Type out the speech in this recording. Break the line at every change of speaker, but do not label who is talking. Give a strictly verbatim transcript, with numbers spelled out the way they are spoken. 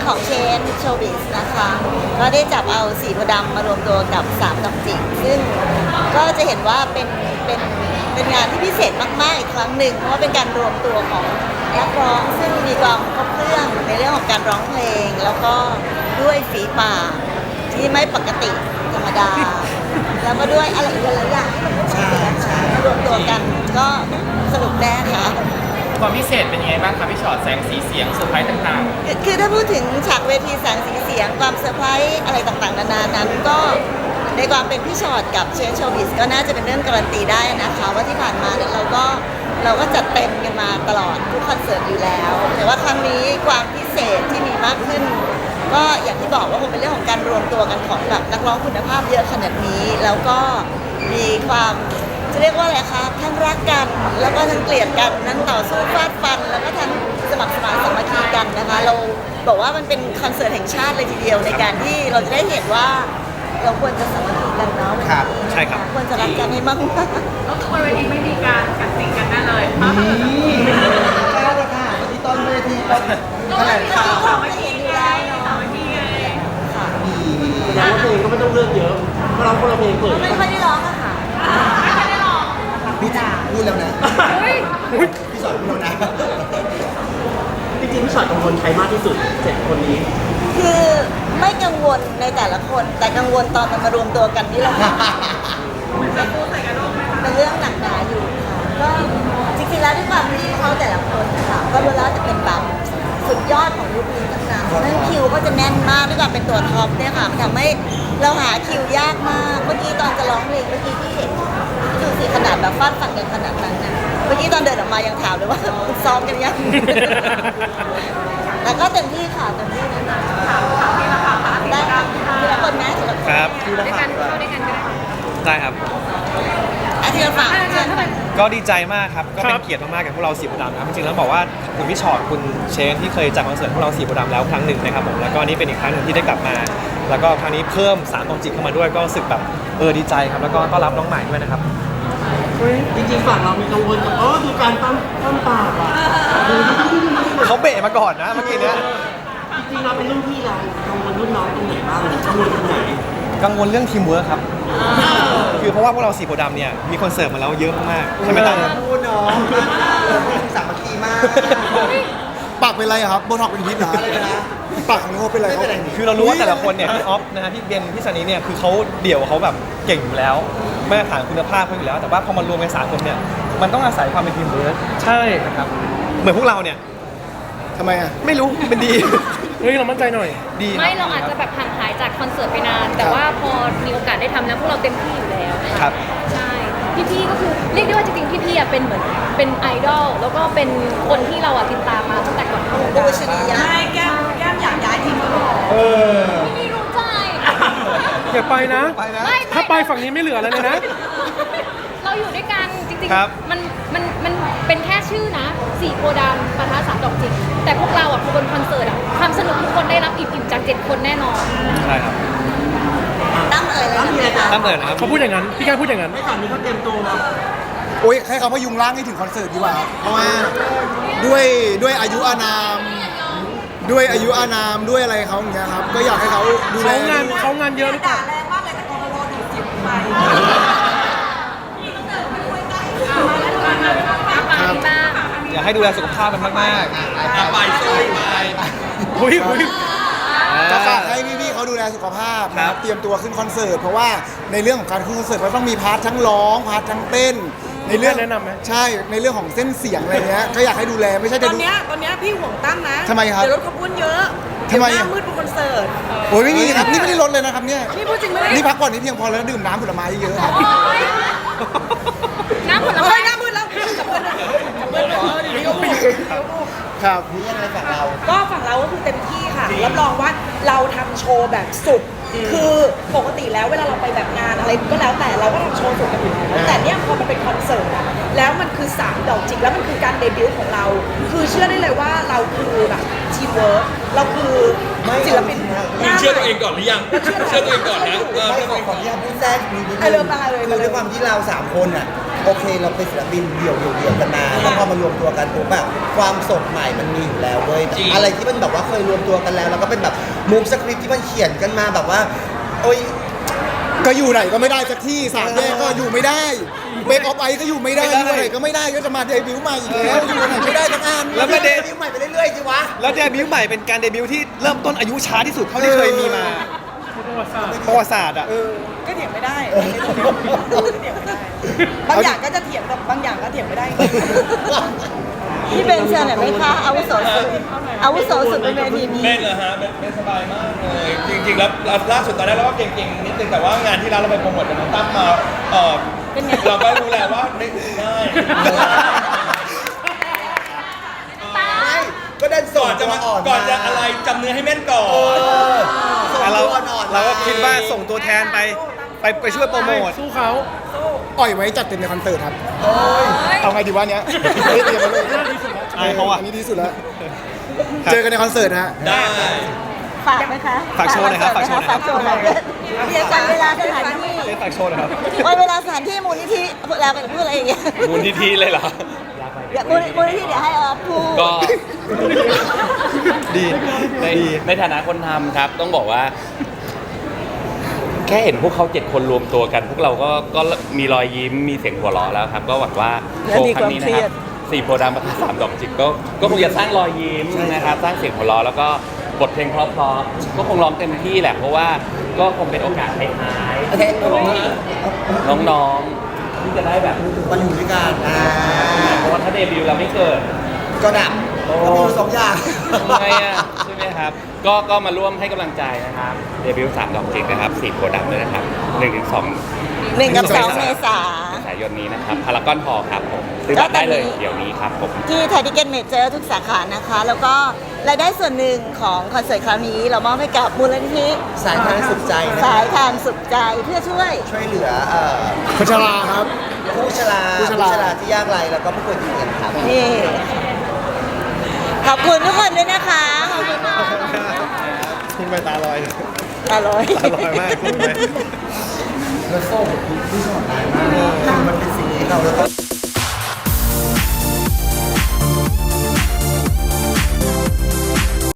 ของเชนโชบิสนะคะก็ได้จับเอาสีโพธิ์ดำมารวมตัวกับสามดอกจิกซึ่งก็จะเห็นว่าเป็นเป็นเป็นงานที่พิเศษมากๆอีกครั้งหนึ่งเพราะว่าเป็นการรวมตัวของนักร้องซึ่งมีความครบเครื่องในเรื่องของการร้องเพลง แล้วก็ด้วยฝีปากที่ไม่ปกติธรรมดา แล้วก็ด้วยอะไรอีกหลายอย่างที่มันไม่ปกติมารวมตัวกันก็สนุกแน่ค่ะ
ความพิเศษเป็นยังไงบ้างครับพี่ชอตแสงสีเสียงเซอร์ไพรส์ต่าง
คือคือถ้าพูดถึงฉากเวทีแสงสีเสียงความเซอร์ไพรส์อะไรต่างๆนานานั้นก็ในความเป็นพี่ชอตกับเชนโชบิสก็น่าจะเป็นเรื่องการันตีได้นะคะว่าที่ผ่านมาเนี่ยเราก็เราก็จัดเต็มกันมาตลอดทุกคอนเสิร์ตอยู่แล้ว แต่ว่าครั้งนี้ความพิเศษที่มีมากขึ้น ก็อย่างที่บอกว่าคงเป็นเรื่องของการรวมตัวกันของแบบนักร้องคุณภาพเยอะขนาดนี้ แล้วก็มีความจะเรียกว่าอะไรคะทั้งรักกันแล้วก็ทั้งเกลียดกันทั้งต่อสู้ฟาดฟัน แล้วก็ทั้งสมัครสมานสามัคคีกันนะคะ เราบอกว่ามันเป็นคอนเสิร์ตแห่งชาติเลยทีเดียวในการที่เราจะได้เห็นว่าเราควรจะสามัคคีกันเนาะวันนี้
ใช่ครับ
ควรจะรักกันให้มาก
ก็คือบนเวทีไม่มีการกัดสินกันได้เลยเพราะถ้าเกิด
ใช่แล้วค่ะที่ต้นเวทีต้นแถลง
ๆ
ข่าว
เขาไม่เห็นอยู่แล้วเนาะ
สามัคคีไง
ค่ะ
แสดงว่าเพลงก็ไม่ต้องเลือกเยอะเพราะเราคนละเพลงเปิด
ไม่ค่อยได้ร้องอะค่ะ
ไม่ได้หรอก
พี่จ๋าพูดแล้วนะ
เฮ้ย
พี่สอนพูดแล้วนะ
จริงๆพี่ชอตกังวลใครมากที่สุดเจ็ดคนนี้
คือไม่กังวลในแต่ละคน แต่กังวลตอนมันมารวมตัวกันที่เรา
จะพูดใส่กันโลกไหมคะ
เป็นเรื่องหนักหนาอยู่ค่ะก็จริงๆแล้วด้วยความที่เขาแต่ละคนค่ะก็รู้แล้วจะเป็นแบบสุดยอดของยุคนี้ทั้งนั้นนั่นคิวก็จะแน่นมากด้วยความเป็นตัวท็อปเนี่ยค่ะทำให้เราหาคิวยากมากเมื่อกี้ตอนจะร้องเพลงเมื่อกี้ที่เห็นดูสิขนาดแบบฟาดฟันกันขนาดนั้นนะเมื่อกี้ตอนเดินออกมายังถามเลยว่า ซ้อมกันยัง แต่ก็เต็มที่ค่ะเต็มที่นะ
ถามถามพี่ละค่ะ
ได้ค่ะทีละคนนะทีละคน
ครับ
ด้วยกันเข้าด้วยกันก็ได้
ได้ครับ
อาทีละฝั่งเชิญค่ะ
ก็ดีใจมากครับ ก็เป็นเกียรติมากๆกับพวกเราสีโพธิ์ดำนะครับจริงๆแล้วบอกว่าคุณพี่ชอตคุณเชนที่เคยจัดคอนเสิร์ตพวกเราสีโพธิ์ดำแล้วครั้งหนึ่งนะครับผมแล้วก็นี่เป็นอีกครั้งหนึ่งที่ได้กลับมา แล้วก็ครั้งนี้เพิ่มสามดวงจิตเข้ามาด้วยก็รู้สึกแบบเออดีใจครับแล้วก็ต้อนรับน้องใหม่ด้วยนะครับ
จริงๆฝั่งเรามีกังวลกับอ๋อดูการตั้มตั้มปากอ่ะ
เขาเบะมาก่อนนะเมื่อกี้เนี้ย
จริงๆเราเป็นรุ่นพี่เรากังวลรุ่นน้องตรงไหนบ้างกังวลตรงไหน
กังวลเรื่องทีมเวิร์คครับ คือเพราะว่าพวกเราสีโพธิ์ดำเนี่ยมีคอนเสิร์ตมาแล้วเยอะมากๆใช่ไหมตั้ม
พูดเนาะสามัคคีมาก
ปากเป็นไรอะครับโบท็อกเป็นพิษเหรอปากของโนเป็นไรครับ
คือเรารู้ว่าแต่ละคนเนี่ยพี่ออฟนะฮะพี่เบนพี่ซันนี่เนี่ยคือเขาเดี่ยวเขาแบบเก่งอยู่แล้วมาตรฐานคุณภาพเขาอยู่แล้ว แต่ว่าพอมารวมกันสามคนเนี่ยมันต้องอาศัยความเป็นทีมเวิร์คใช่นะครับเหมือนพวกเราเนี่ย
ทำไมอะ
ไม่รู้เป็นดี
เฮ้ยเรามั่นใจหน่อย
ดี
ไม่เราอาจจะแบบห่างหายจากคอนเสิร์ตไปนาน แต่ว่าพอมีโอกาสได้ทำแล้วพวกเราเต็มที่อยู่แล้ว
ครับ
ใช่พี่ๆก็คือเรียกได้ว่าจริงๆพี่ๆอ่ะเป็นเหมือนเป็นไอดอลแล้วก็เป็นคนที่เราอ่ะติดตามมาตั้งแต่ก่อนเข้าวง
ดู
การ
ชนียะ
ใช่แก้มแก้มอยากย้ายทีมก็บอกพี่รู้ใจ
อย่าไปนะ
ไปนะ
ไม่
ถ้าไปฝั่งนี้ไม่เหลือแล้วเลยนะ
เราอยู่ด้วยกันจริง
ครับ
ๆมันมันมันเป็นแค่ชื่อนะสี่โพธิ์ดำปะทะสามดอกจิกแต่พวกเราอ่ะพอบนคอนเสิร์ตอ่ะความสนุกทุกคนได้รับอิ่มๆจากเจ็ดคนแน่นอน
ใช่ครับ
ตั้มเอ่ยเลย
ตั้มมีอะไรจะ
ตั้มเปิดนะครับ
เขาพูดอย่างนั้น พี่แกพูดอย่างนั้น
ไม่ฝั่งนี้เขาเตรียมตัวมา
โอ้ยให้เขาพยุงร่างให้ถึงคอนเสิร์ตดีกว่าครับเพราะว่าด้วยด้วยอายุอานาม ด้วยอายุอานามด้วยอะไรเขาอย่างเงี้ยครับ ก็อยากให้เขาดูแล
เขางานเขางานเยอะหรือเปล่า
ครับอยากให้ดูแลสุขภาพกันมากๆไปช่วยไป
อุ้ยอุ้ย
จะ
จะ
ฝา
ฝาก กให้พี่ๆเขาดูแลสุขภาพ
ครั
นะ
บ
เตรียมตัวขึ้นคอนเสิร์ตเพราะว่าในเรื่องของการขึ้นคอนเสิร์ตมันต้องมีพาร์ททั้งร้องพาร์ททั้งเต้น ในเรื่อง
แนะนำไหม
ใช่ในเรื่องของเส้นเสียงอะไรเงี้ยก็อยากให้ดูแลไม่ใช่
ต
จะ
อน
ดู
เนี้ยตอนเนี้ยพี่ห่วงตั้มนะ
ทำไมครับ
เดี๋ยวรถขบวนเยอะ
ทำไม
เดี๋ยวห
อะ
น้ามืดบนคอนเสิร์ต
โอ้ยไม่มีครับนี่ไม่ได้ลดเลยนะครับเนี่ย
นี่พูดจริงไหม
นี่พักผ่อนนี่เพียงพอแล้วดื่มน้ำผลไม้เยอะครับ
โอ๊ยน้ำผล
เฮ้
ไม้
ยหน้ามืดแล้วกลับเพื่อนกลับเพื่อนเออเดี๋ยวพูด
ครับ
นี่ยังไงฝั่งเรา
ก็ฝั่งเราก็คือเต็มที่ค่ะรับรองว่าเราทำโชว์แบบสุด คือปกติแล้วเวลาเราไปแบบงานอะไรก็แล้วแต่เราก็ทำโชว์สุดกันอยู่แล้วแต่เนี่ยพอมันเป็นคอนเสิร์ตอะแล้วมันคือสามดอกจิกแล้วมันคือการเดบิวต์ของเรา คือเชื่อได้เลยว่าเราคือแบบทีมเวิร์กเราคือศิลปินหน้าใหม่
เชื่อตัวเองก่อนหรือยัง เชื่อตัวเองก่อนนะเออ
ไม่
เชื่อ
ข
ตัว
อ
เอง
ข
ก่
อ
อน
ที่ทำพูดแทรกนิดนึง
เอาเริ่มมาเลย
คือด้วยความที่เราสามคนอ่ะโอเคเราเป็นศิลปินเดี่ยวๆเดี่ยวกันมาแล้วพอมารวมตัวกันปุ๊บแบบความสดใหม่มันมีอยู่แล้วเว้ยอะไรที่มันแบบว่าเคยรวมตัวกันแล้วแล้วก็เป็นแบบมูฟสคริปต์ที่มันเขียนกันมาแบบว่าโอ้ย
ก็อยู่ไหนก็ไม่ได้สักที่สามแยกก็อยู่ไม่ได้เบรกออฟไอก็อยู่ไม่ได้อยู่ไหนก็ไม่ได้ก็จะมาเดบิวต์ใหม่อีกแล้วอยู่ไหนไม่ได้สักอัน
แล้วมาเด
บิวใหม่ไปเรื่อยๆสิวะ
แล้วเดบิวต์ใหม่เป็นการเดบิวต์ที่เริ่มต้นอายุช้าที่สุดเท่าที่เคยมีมาประวัติศาสตร์อ่ะ
ก็เถียงไม่ได้ก็เถียงไม่ได้บางอย่างก็จะเถียงแต่บางอย่างก็เถียงไม่ได้
พี่เบนเชิญหน่อยไหมคะอาวุโสสุดอาวุโสสุดบนเวทีนี้
เล่นเหรอฮะเป็นเป็นสบายมากเลย จริงๆแล้วล่าสุดตอนแรกเราก็เก่งๆนิดนึงแต่ว่างานที่ร้านเราไปโปรโมทกับน้องตั้มมาเออเราก็รู้แล้วว่าไม่ง่าย
ไม่ก็ดันส
ก่
อ
อน น
จะ
จะ
มา
มา
อ่อน
ก่อนจะอะไรจำเนื้อให้แม่นก่อน
แต่เรา
อ่อนๆ
เราก็คิดว่าส่งตัวแทนไปไปไปช่วยโปรโมท
สู้เขา
อ่อยไว้จัดเต็มในคอนเสิร์ตครับเอาไงดีวะเนี้ยไม่ได้เตรียมมาเลย
อายเขาอะ
นนี้ดีสุดแล้วเจอกันในคอนเสิร์ตนะฮะ
ได้
ฝากไหมคะ
ฝากโชว์หน่อยครับฝากโชว์หน่อยครับ
ฝากโชว์หน่อยเดี๋ยววันเวลาสถานที่
เล่นฝากโชว์นะครับ
วันเวลาสถานที่มูลนิธิแล้วกันพูดอะไรอย่างเงี้ย
มูลนิธิเลยเหรอ
เดี๋ยวมูลมูลนิธิเดี๋ยวให้ออฟพูด
ก็
ดี
ใน
ดี
ในฐานะคนทำครับ ต้องบอกว่า แค่เห็นพวกเขาเจ็ดคนรวมตัวกัน พวกเราก็ก็มีรอยยิ้มมีเสียงหัวเราะแล้วครับ ก็หวังว่าโชว์ครั้งนี้นะครับสี่โพธิ์ดำประทัดสามดอกจิกก็ก็คงจะสร้างรอยยิ้มนะครับสร้างเสียงหัวเราะแล้วก็บทเพลงเพราะๆก็คงร้องเต็มที่แหละเพราะว่าก็คงเป็นโอกาสท้ายๆของน้องๆที่จะได้แบบ
มาอยู่ด้วยกันอ่า
เพราะว่าถ้าเดบิวต์เราไม่เกิด
ก็ดับก็มีอยู่สองอย่าง
ทำไมอ่ะใช่ไหมครับ ก็ก็มาร่วมให้กำลังใจนะครับ เดบิวต์สามดอกจิกนะครับสี่โพธิ์ดำด้วยนะครับหนึ่งถึงสอง
หนึ่งกับสองเมษา
สายนนี้นะครับพารากอนพอครับผมซื้อบัตรได้เลยเดี๋ยวนี้ครับผม
ที่ไทยทิเก็ตเมเจอร์ทุกสาขานะคะ แล้วก็รายได้ส่วนหนึ่งของคอนเสิร์ตคราวนี้เรามอบให้กับมูลนิธิ
สายทานสุขใจนะ
สายทานสุขใจเพื่อช่วย
ช่วยเหลือเอ่อ
คนชราครับ
ผู้ชรา
ผู้
ผู้
ชรา
ชราที่ยากไร้แล้วก็ผู้ป่วยติดเตียงครับ
นี่ ขอบคุณทุกคนด้วยนะคะ ขอบคุณมาก
คุณไปตาลอย
ตาลอย
ตาลอยมากคุณไป
แล้วโซ่กับพี่ชอตได้มากมันเป็นสิ่งที่เราต้อง